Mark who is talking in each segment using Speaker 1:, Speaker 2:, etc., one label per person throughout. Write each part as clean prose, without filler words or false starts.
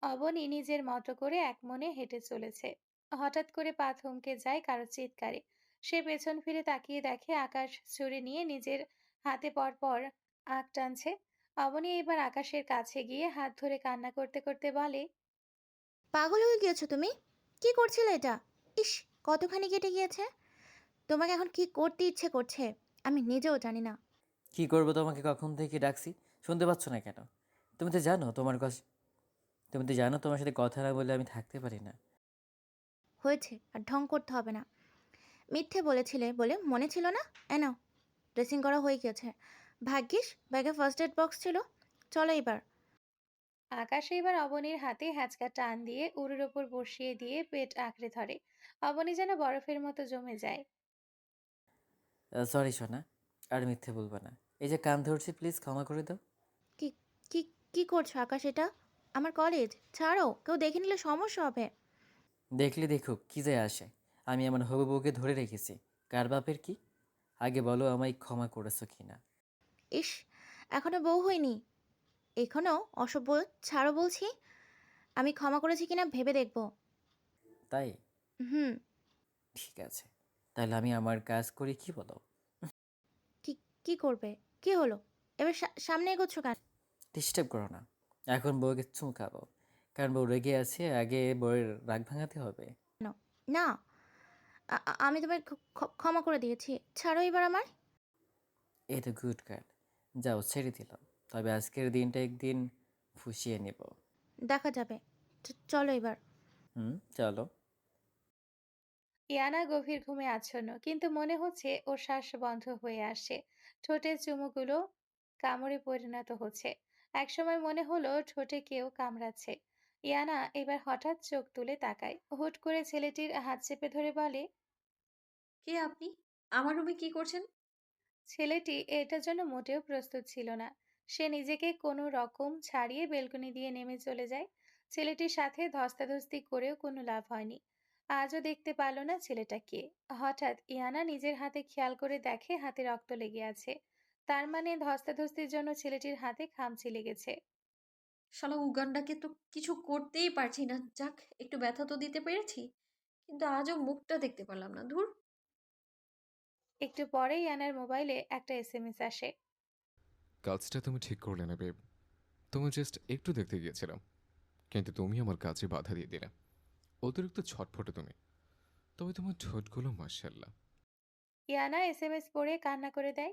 Speaker 1: অবনী নিজের মতো করে এক মনে হেঁটে চলেছে। হঠাৎ করে পা থমকে যায় কারো চিৎকারে। সে পেছন ফিরে তাকিয়ে দেখে আকাশ ছুরি নিয়ে নিজের হাতে পরপর আঁক টানছে। অবনী এবার আকাশের কাছে গিয়ে হাত ধরে কান্না করতে করতে বলে,
Speaker 2: পাগল হয়ে গিয়েছো তুমি? কি করছিলে এটা? ইস, কতখানি কেটে গিয়েছে। তোমাকে এখন কি করতে ইচ্ছে করছে আমি নিজেও জানি না।
Speaker 3: কি করবো? তোমাকে কখন থেকে ডাকছি, শুনতে পাচ্ছ না কেন? তুমি তো জানো তোমার কাছে তুমি তো জানো তোমার সাথে কথা না বলে আমি থাকতে পারি না।
Speaker 2: হয়েছে, আর ঢং করতে হবে না। মিথ্যে বলেছিলে বলে মনে ছিল না? নাও, ড্রেসিং করা হয়ে গেছে। ভাগ্যিস ব্যাগে ফার্স্ট এড বক্স ছিল। চলো এবার।
Speaker 1: আকাশ এবার অবনীর হাতে হ্যাচকা টান দিয়ে উড়ের ওপর বসিয়ে দিয়ে পেট আঁকড়ে ধরে। অবনী যেন বরফের মতো জমে যায়।
Speaker 3: সরি সোনা, আর মিথ্যে বলবো না। এই যে কান ধরছি, প্লিজ ক্ষমা করে দাও।
Speaker 2: কি কি কি করছো আকাশ? এটা আমার কলেজ। ছাড়ো, কেউ দেখে নিলে সমস্যা হবে।
Speaker 3: দেখলে দেখুক, কি যায় আসে। আমি আমার হবু বউকে ধরে রেখেছি। কার বাপের কি? আগে বলো আমায় ক্ষমা করেছো কিনা।
Speaker 2: ইস, এখনো বউ হয়নি, এখনো অসভ্য। ছাড়ো বলছি। আমি ক্ষমা করেছি কিনা ভেবে দেখবো।
Speaker 3: তাই?
Speaker 2: হুম।
Speaker 3: ঠিক আছে, তাহলে আমি আমার কাজ করি, কি বলো?
Speaker 2: কি কি করবে? কি হলো? এবার সামনে এগোচ্ছ কেন?
Speaker 3: ডিস্টার্ব করো না। এখন বউকে চুমকাবো, কারণ বউ রেগে আছে, আগে বউয়ের রাগ ভাঙাতে হবে।
Speaker 2: না, আমি তোমায় ক্ষমা করে দিয়েছি। ছাড়ো এবার আমার।
Speaker 3: এই তো গুড গার্ল। যাও, ছেড়ে দিলাম। তবে আজকের দিনটা একদিন ফুসিয়ে নেব।
Speaker 2: দেখা যাবে। চলো এবার।
Speaker 3: হুম, চলো।
Speaker 1: ইয়ানা গভীর ঘুমে আচ্ছন্ন, কিন্তু মনে হচ্ছে ওর শ্বাস বন্ধ হয়ে আসছে। ঠোঁটের চুমুগুলো কামড়ে পরিণত হচ্ছে। একসময় মনে হলো ঠোঁটে কেউ কামড়াচ্ছে। ইয়ানা এবার হঠাৎ চোখ তুলে তাকায়, হুট করে ছেলেটির হাত চেপে ধরে বলে,
Speaker 4: কে আপনি? আমার রুমে কি করছেন?
Speaker 1: ছেলেটি এটার জন্য মোটেও প্রস্তুত ছিল না। সে নিজেকে কোনো রকম ছাড়িয়ে বেলকনি দিয়ে নেমে চলে যায়। ছেলেটির সাথে ধস্তাধস্তি করেও কোনো লাভ হয়নি। আজও দেখতে পারল না ছেলেটা কে। হঠাৎ ইয়ানা নিজের হাতে খেয়াল করে দেখে হাতে রক্ত লেগে আছে। তার মানে ধস্তাধস্তির জন্য ছেলেটির হাতে খামচি লেগেছে।
Speaker 4: শালা উগান্ডাকে তো কিছু করতেই পারছি না। যাক, একটু ব্যথা তো দিতে পেরেছি। কিন্তু আজও মুখটা দেখতে পারলাম না। ধুর!
Speaker 1: একটু পরেই ইয়ানার মোবাইলে একটা এসএমএস আসে।
Speaker 5: কাজটা তুমি ঠিক করলে না বেব। তুমি জাস্ট একটু দেখতে গিয়েছিলাম, কিন্তু তুমি আমার কাজে বাধা দিয়ে দিলে। অতিরিক্ত ছটফটে তুমি। তবে তোমার ঠোঁটগুলো মাশাআল্লাহ।
Speaker 1: ইয়ানা এসএমএস পড়ে কান্না করে দেয়।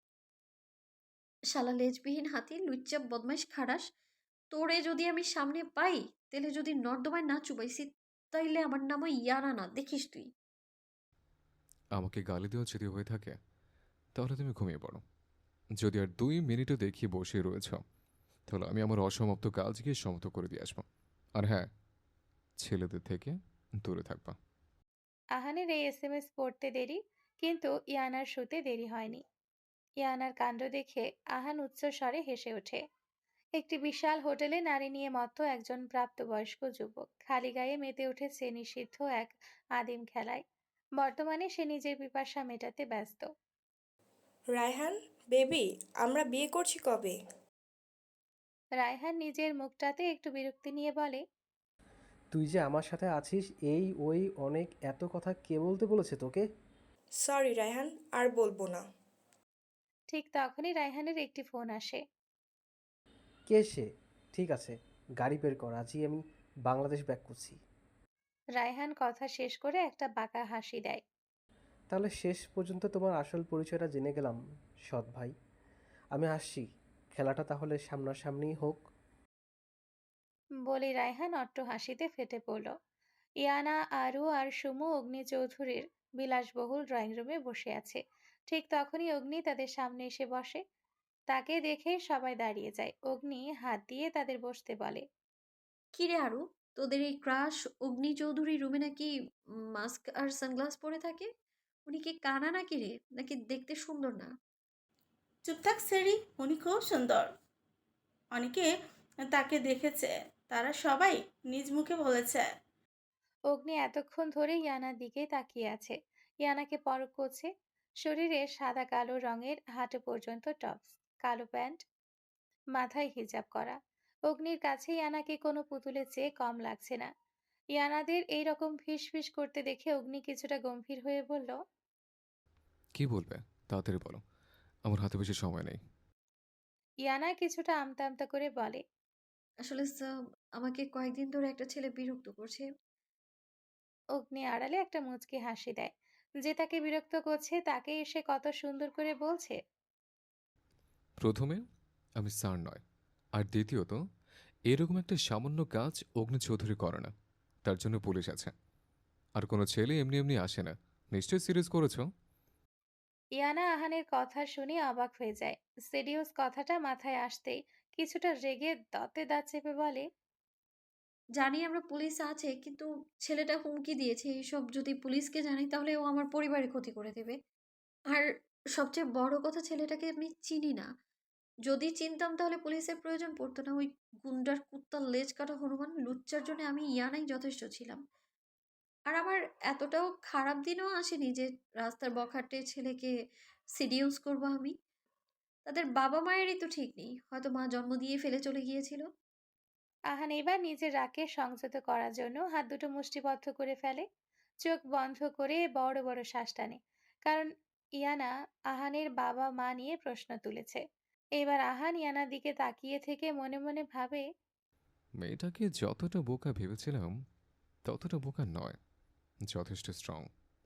Speaker 4: শালা লেজবিহীন হাতি, লুচ্চা বদমাইশ খাড়াস! তোরে যদি আমি সামনে পাই, তাহলে যদি নর্দমায় না চুবাইছি, তাইলে আমার নামও ইয়ানা না, দেখিস তুই।
Speaker 5: আমাকে গালি দেওয়া যদি হয়ে থাকে, তাহলে তুমি ঘুমিয়ে পড়ো। যদি আর 2 মিনিটও দেখি বসে রয়েছ, তাহলে আমি আমার অসমাপ্ত কাজ গিয়ে সমাপ্ত করে দিয়ে আসবো। আর হ্যাঁ, ছেলেদের থেকে দূরে থাকবা।
Speaker 1: আহানের এই এসএমএস পড়তে দেরি, কিন্তু ইয়ানার শুতে দেরি হয়নি। ইয়ানার কাণ্ড দেখে আহান উচ্চস্বরে হেসে ওঠে। একটি বিশাল হোটেলে নারী নিয়ে মত্ত একজন প্রাপ্তবয়স্ক যুবক খালি গায়ে মেতে উঠেছে নিষিদ্ধ এক আদিম খেলায়। বর্তমানে সে নিজের পিপাসা মেটাতে ব্যস্ত।
Speaker 6: রায়হান, বেবি, আমরা বিয়ে করছি কবে?
Speaker 1: রায়হান নিজের মুখটাতে একটু বিরক্তি নিয়ে বলে,
Speaker 7: তুই যে আমার সাথে আছিস এই ওই অনেক এত কথা কে বলতে বলেছে তোকে?
Speaker 6: সরি রায়হান, আর বলবো না।
Speaker 1: ঠিক তখনই রায়হানের একটি ফোন আসে।
Speaker 7: কে সে? ঠিক আছে, গাড়ি বের কর, আজই আমি বাংলাদেশ ব্যাক করছি।
Speaker 1: রায়হান কথা শেষ করে একটা বাঁকা হাসি দেয়।
Speaker 7: তাহলে শেষ পর্যন্ত তোমার আসল পরিচয়টা জেনে গেলাম, সৎ ভাই। আমি আসছি, খেলাটা তাহলে সামনাসামনি হোক।
Speaker 1: বলে রায়হান অট্ট হাসিতে ফেটে পড়ল। ইয়ানা, আরু আর সুমু অগ্নি চৌধুরীর বিলাসবহুল ড্রয়িং রুমে বসে আছে। ঠিক তখনই অগ্নি তাদের সামনে এসে বসে। তাকে দেখে সবাই দাঁড়িয়ে যায়। অগ্নি হাত দিয়ে তাদের বসতে বলে।
Speaker 4: কিরে আরু, তোদের এই ক্রাশ অগ্নি চৌধুরী রুমে নাকি মাস্ক আর সানগ্লাস পরে থাকে? উনি কি কানা নাকি রে, নাকি দেখতে সুন্দর না?
Speaker 8: চুপ থাক সেরি, উনি খুব সুন্দর। অনেকে তাকে দেখেছে, তারা সবাই নিজ মুখে বলেছে।
Speaker 1: অগ্নি এতক্ষণ ধরে ইয়ানার দিকে তাকিয়ে আছে। ইয়ানাকে পরখ করছে। শরীরে সাদা কালো রঙের হাঁটু পর্যন্ত টপস, কালো প্যান্ট, মাথায় হিজাব করা। অগ্নির কাছে ইয়ানাকে কোনো পুতুলের চেয়ে কম লাগছে না। ইয়ানাদের এইরকম ফিসফিস করতে দেখে অগ্নি কিছুটা গম্ভীর হয়ে বলল,
Speaker 5: কি বলবে? তাড়াতাড়ি বলো, আমার হাতে বেশি সময় নেই।
Speaker 1: ইয়ানা কিছুটা আমতা আমতা করে বলে।
Speaker 4: আসলে স্যার, আমাকে কয়েকদিন ধরে একটা ছেলে বিরক্ত করছে।
Speaker 1: অগ্নি আড়ালে একটা মুচকি হাসি দেয়। যে তাকে বিরক্ত করছে তাকে এসে কত সুন্দর করে বলছে।
Speaker 5: প্রথমে, আমি স্যার নয়। আর দ্বিতীয়ত, এরকম একটা সামান্য কাজ অগ্নি চৌধুরী করে না। তার জন্য পুলিশ আছে। আর কোনো ছেলে এমনি এমনি আসে না। নিশ্চয়ই সিরিয়াস করেছো।
Speaker 1: ইয়ানা আহানের কথা শুনে অবাক হয়ে যায়। সিরিয়াস কথাটা মাথায় আসতেই কিছুটা রেগে দাঁতে দাঁত চেপে বলে,
Speaker 4: জানি আমরা পুলিশ আছে, কিন্তু ছেলেটা হুমকি দিয়েছে এসব যদি পুলিশকে জানাই তাহলে ও আমার পরিবারের ক্ষতি করে দেবে। আর সবচেয়ে বড় কথা, ছেলেটাকে আমি চিনি না। যদি চিনতাম তাহলে পুলিশের প্রয়োজন পড়তো না। ওই গুন্ডার কুত্তার লেজ কাটা হনুমান লুচ্চার জন্য আমি ইয়ানাই যথেষ্ট ছিলাম। আর আমার এতটাও খারাপ দিনও আসেনি যে রাস্তার বখাটে ছেলেকে সিডিউস করব আমি। তাদের বাবা মায়েরই তো ঠিক নেই, হয়তো মা জন্ম দিয়ে ফেলে চলে গিয়েছিল।
Speaker 1: আহান এবার নিজের রাগকে সংযত করার জন্য হাত দুটো মুষ্টিবদ্ধ করে ফেলে। চোখ বন্ধ করে বড় বড় শ্বাস টানে। কারণ ইয়ানা আহানের বাবা মা নিয়ে প্রশ্ন তুলেছে। এবার আহান ইয়ানার দিকে তাকিয়ে থেকে মনে মনে ভাবে,
Speaker 5: মেয়েটাকে যতটা বোকা ভেবেছিলাম ততটা বোকা নয়, যথেষ্ট স্ট্রং।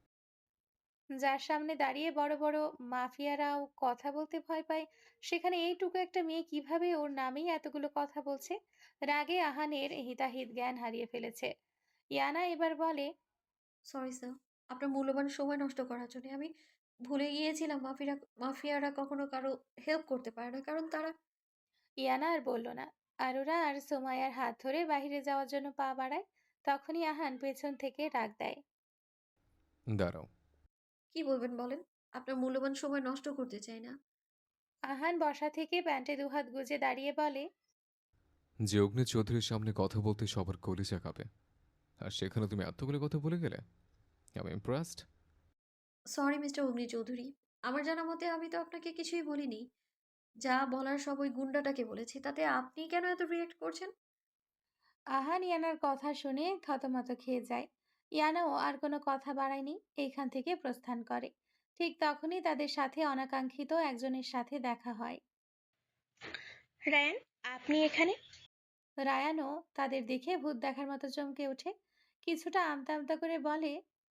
Speaker 1: যার সামনে দাঁড়িয়ে বড় বড় মাফিয়ারাও কথা বলতে ভয় পায়, সেখানে এইটুকু একটা মেয়ে কিভাবে ওর নামেই এতগুলো কথা বলছে। রাগে আহানের হিতাহিত জ্ঞান হারিয়ে ফেলেছে। ইয়ানা এবার বলে,
Speaker 4: সরি স্যার, আপনার মূল্যবান সময় নষ্ট করার জন্য। আমি ভুলে গিয়েছিলাম মাফিয়ারা কখনো কারো হেল্প করতে পারে না, কারণ তারা।
Speaker 1: ইয়ানা আর বলল না। আরোরা আর সোমাইয়ার হাত ধরে বাইরে যাওয়ার জন্য পা বাড়ায়। তখনই আহান পেছন থেকে ডাক দেয়।
Speaker 5: দাঁড়াও।
Speaker 4: কি বলবেন বলেন? আপনার মূল্যবান সময় নষ্ট করতে চাই না।
Speaker 1: আহান বসা থেকে প্যান্টে দুহাত গুজে দাঁড়িয়ে বলে,
Speaker 5: যে অগ্নি চৌধুরীর সামনে কথা বলতে সবার কলিজা কাঁপে, আর সেখানে তুমি এতগুলো কথা বলে গেলে। আমি ইমপ্রেসড।
Speaker 4: সরি মিস্টার অগ্নি চৌধুরী, আমার জানা মতে আমি তো আপনাকে কিছুই বলিনি। যা বলার সব ওই গুন্ডাটাকে বলেছি, তাতে আপনি কেন এত রিয়েক্ট করছেন?
Speaker 1: আহান ইয়ানার কথা শুনে থতমত খেয়ে যায়। ইয়ানাও আর কোনো কথা বাড়ায়নি, এইখান থেকে প্রস্থান করে। ঠিক তখনই তাদের সাথে অনাকাঙ্ক্ষিত একজনের সাথে দেখা হয়।
Speaker 6: রায়ান, আপনি এখানে?
Speaker 1: রায়ানও তাদের দেখে ভূত দেখার মতো চমকে ওঠে। কিছুটা আমতা আমতা করে বলে,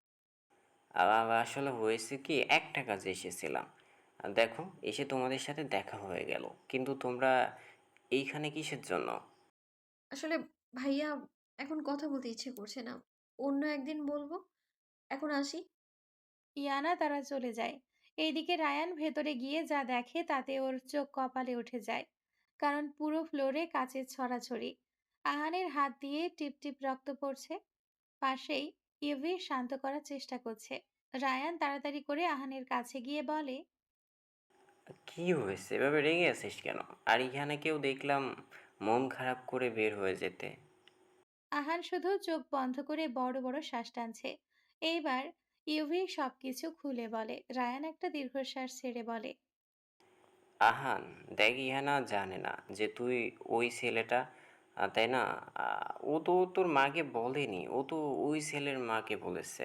Speaker 9: আসলে হয়েছে কি, একটা কাজে এসেছিলাম। দেখো, এসে তোমাদের সাথে দেখা হয়ে গেল, কিন্তু তোমরা এইখানে কিসের জন্য?
Speaker 4: আসলে ভাইয়া, এখন কথা বলতে ইচ্ছে করছে না। অন্য একদিন বলবো। এখন আসি।
Speaker 1: ইয়ানা তারা চলে যায়। এইদিকে রায়ান ভেতরে গিয়ে যা দেখে তাতে ওর চোখ কপালে উঠে যায়। কারণ পুরো ফ্লোরে কাচের ছড়াছড়ি। আহানের হাত দিয়ে টিপ টিপ রক্ত পড়ছে। পাশেই ইভি শান্ত করার চেষ্টা করছে। রায়ান তাড়াতাড়ি করে আহানের কাছে গিয়ে বলে,
Speaker 9: কি হয়েছে, এভাবে রেগে আছিস কেন? আর এখানে কেউ দেখলাম মন খারাপ করে বের হয়ে যেতে।
Speaker 1: আহান শুধু চোখ বন্ধ করে বড় বড় শ্বাস টানছে। এইবার ইউভি সবকিছু খুলে বলে। রায়ান একটা দীর্ঘশ্বাস ছেড়ে বলে,
Speaker 9: আহান, দেখ, ইহানা জানে না যে তুই ওই ছেলেটা, তাই না? ও তো তোর মাকে বলেনি, ও তো ওই ছেলের মাকে বলেছে।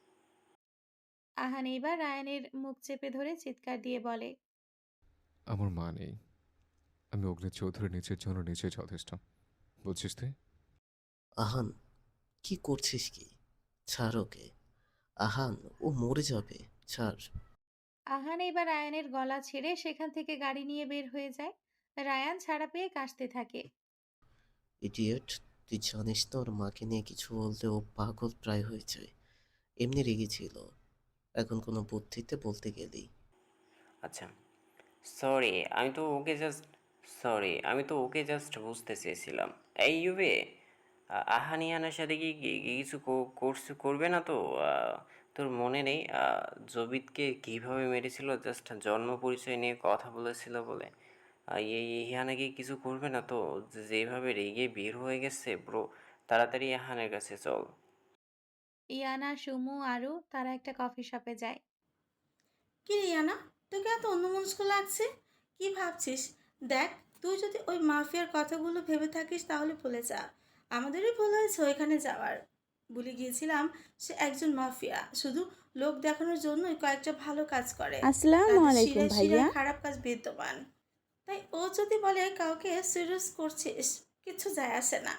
Speaker 1: আহান এইবার রায়ানের মুখ চেপে ধরে চিৎকার দিয়ে বলে,
Speaker 5: আমার মা নেই। আমি অগ্নি চৌধুরী নিজের জন্য নিজে যথেষ্ট। বুঝছিস তুই?
Speaker 10: আহান, কি করছিস কি? ছাড় ওকে। আহান, ও মরে যাবে। ছাড়।
Speaker 1: আহান এবার রায়ানের গলা ছেড়ে সেখান থেকে গাড়ি নিয়ে বের হয়ে যায়। রায়ান ছাড়া পেয়ে কাশতে থাকে।
Speaker 10: ইডিয়েট, তুই জানিস না ওর মাকে নিয়ে কিছু বলতে ও পাগল প্রায় হয়ে যায়। এমনি রেগেছিল, এখন কোনো বুদ্ধিতে বলতে গেলেই।
Speaker 9: আচ্ছা, সরি, আমি তো ওকে জাস্ট বুঝতে চেয়েছিলাম। এই ইউবে, আহানিয়ানার সাথে কি কিছু করবে না তো? তোর মনে নেই জবিতকে কিভাবে মেরেছিল? জাস্ট জন্ম পরিচয় নিয়ে কথা বলেছিল বলে। ইহানা কি কিছু করবে না তো? যেভাবে রেগে বের হয়ে গেছে ব্রো, তাড়াতাড়ি আহানের কাছে চল।
Speaker 1: ইয়ানা, সুমু, আরু তারা একটা কফি শপে যায়।
Speaker 8: কি রে ইয়ানা, তোকে এত অন্যমনস্ক লাগছে? কি ভাবছিস? দেখ, তুই যদি ওই মাফিয়ার কথাগুলো ভেবে থাকিস তাহলে ভুলে যা। আমাদেরই ভুল হয়েছে ওইখানে যাওয়ার। ভুলে গিয়েছিলাম সে একজন মাফিয়া, শুধু লোক দেখানোর জন্যই কয়েকটা ভালো কাজ করে।
Speaker 11: আসসালামু
Speaker 8: তাদের
Speaker 11: আলাইকুম
Speaker 8: শিরায়
Speaker 11: ভাইয়া।
Speaker 8: শিরায় খারাপ কাজ বিদ্যমান। তাই ও যদি বলে কাউকে সিরিয়াস করছিস, কিছু যায় আসে না।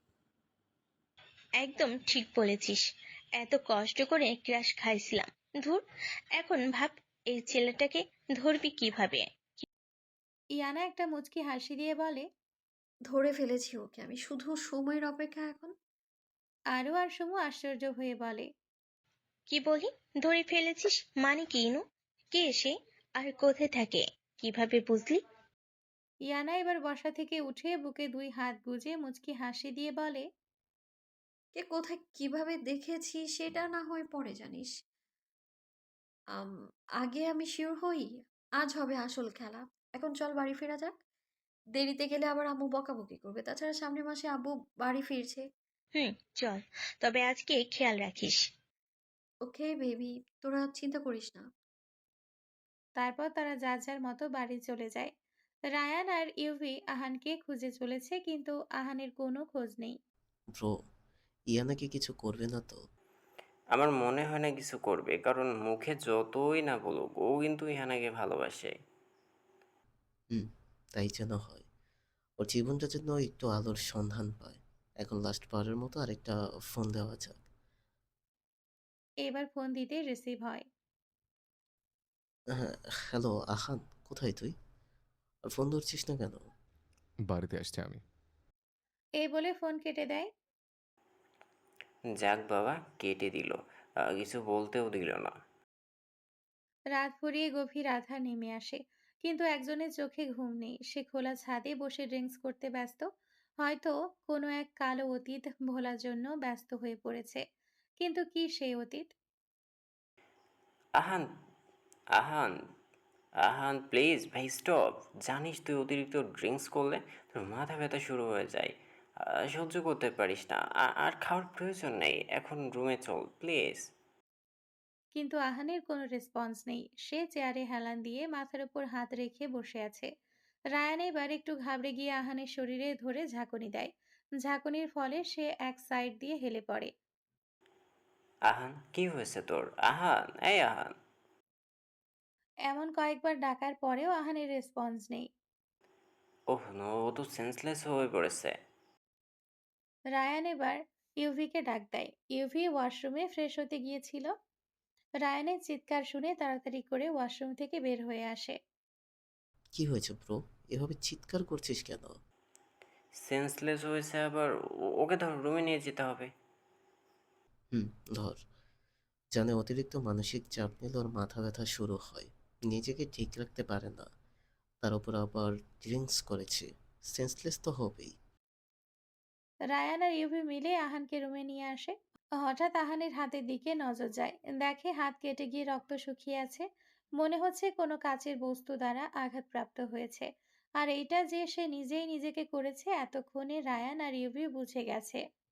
Speaker 12: একদম ঠিক বলেছিস। এত কষ্ট করে ক্রাশ খাইছিলাম। ধুর, এখন ভাব এই ছেলেটাকে ধরবি কিভাবে?
Speaker 1: ইয়ানা একটা মুচকি হাসি দিয়ে বলে,
Speaker 4: ধরে ফেলেছি ওকে আমি, শুধু সময়ের অপেক্ষা এখন।
Speaker 1: আরও আর সমু আশ্চর্য হয়ে বলে,
Speaker 12: কি বলি? ধরে ফেলেছিস মানে কি ইনু? কে সে? আর কোথায় থাকে? কিভাবে বুঝলি?
Speaker 1: ইয়ানা এবার বসা থেকে উঠে বুকে 2 হাত গুজে মুচকি হাসি দিয়ে বলে,
Speaker 4: কে কোথায় কিভাবে দেখেছি সেটা না হয় পরে জানিস। আম, আগে আমি শিওর হই। আজ হবে আসল খেলা। এখন চল বাড়ি ফেরা যাক। দেরিতে গেলে আবার আম্মু বকাবকি করবে। তাছাড়া সামনের মাসে আব্বু বাড়ি ফিরছে।
Speaker 12: হুম, চল। তবে আজকে খেয়াল রাখিস।
Speaker 4: ওকে বেবি, তোরা চিন্তা করিস না।
Speaker 1: তারপর তারা যার যার মতো বাড়ি চলে যায়। রায়ান আর ইউভি আহানকে খুঁজে চলেছে, কিন্তু আহানের কোনো খোঁজ নেই।
Speaker 10: ব্রো, ইয়ানাকে কিছু করবে না তো?
Speaker 9: আমার মনে হয় না কিছু করবে, কারণ মুখে যতই না বলুক ও কিন্তু ইহানাকে ভালোবাসে।
Speaker 10: হুম, তাই যেন হয়। ওর জীবনটা যেন একটু আলোর সন্ধান পায়। এখন লাস্ট বারের মতো আরেকটা ফোন দেওয়া যাক।
Speaker 1: এবার ফোন দিতে রিসিভ হয়।
Speaker 10: হ্যাঁ, হ্যালো আহান, কোথায় তুই? আর ফোন ধরছিস না কেন?
Speaker 5: বাড়িতে আসছি আমি।
Speaker 1: এই বলে ফোন কেটে দেয়।
Speaker 9: যাক বাবা, কেটে দিল, কিছু বলতেও দিল না।
Speaker 1: রাত ফুরিয়ে গভীর আঁধার নেমে আসে, কিন্তু একজনের চোখে ঘুম নেই। সে খোলা ছাদে বসে ড্রিঙ্কস করতে ব্যস্ত। হয়তো কোনো এক কালো অতীত ভোলার জন্য ব্যস্ত হয়ে পড়েছে। কিন্তু কি সেই অতীত?
Speaker 9: আহান, আহান, আহান প্লিজ ভাই স্টপ। জানিস তুই অতিরিক্ত ড্রিঙ্কস করলে তোর মাথা ব্যথা শুরু হয়ে যায়। সহ্য করতে পারিস না। আর খাওয়ার প্রয়োজন নেই, এখন রুমে চল প্লিজ।
Speaker 1: কিন্তু আহানের কোনো রেসপন্স নেই। সে চেয়ারে হেলান দিয়ে মাথার উপর হাত রেখে বসে আছে। রায়ান এবার একটু ঘাবড়ে গিয়ে আহানের শরীরে ধরে ঝাঁকুনি দেয়। ঝাঁকুনির ফলে সে এক সাইড দিয়ে হেলে পড়ে।
Speaker 9: আহান, কি হয়েছে তোর? আহান, এই আহান।
Speaker 1: এমন কয়েকবার ডাকার পরেও আহানের রেসপন্স নেই।
Speaker 9: ওহ নো, ও তো সেন্সলেস হয়ে পড়েছে।
Speaker 1: রায়ান এবার ইউভিকে ডাক দেয়। ইউভি ওয়াশরুমে ফ্রেশ হতে গিয়েছিল। রায়ানের চিৎকার শুনে তাড়াতাড়ি করে ওয়াশরুম থেকে বের হয়ে আসে।
Speaker 10: কি হয়েছে ব্রো? এভাবে চিৎকার করছিস কেন?
Speaker 9: সেন্সলেস হয়েছে আবার। ওকে ধর, রুমে নিয়ে যেতে হবে।
Speaker 10: হুম, ধর। জানে অতিরিক্ত মানসিক চাপ নিলে ওর মাথা ব্যথা শুরু হয়। নিজেকে ঠিক রাখতে পারে না। তার উপর আবার ড্রিঙ্কস করেছে। সেন্সলেস তো হবেই।
Speaker 1: রায়ান আর ইউভি মিলে আহানকে রুমে নিয়ে আসে। হঠাৎ আহানের হাতের দিকে নজর যায়। দেখে হাত কেটে গিয়ে রক্ত শুকিয়ে আছে। মনে হচ্ছে কোনো কাচের বস্তু দ্বারা আঘাতপ্রাপ্ত হয়েছে। আর এইটা যে সে নিজেই নিজেকে করেছে এতক্ষণে রায়ান আর ইউভি বুঝে গেছে।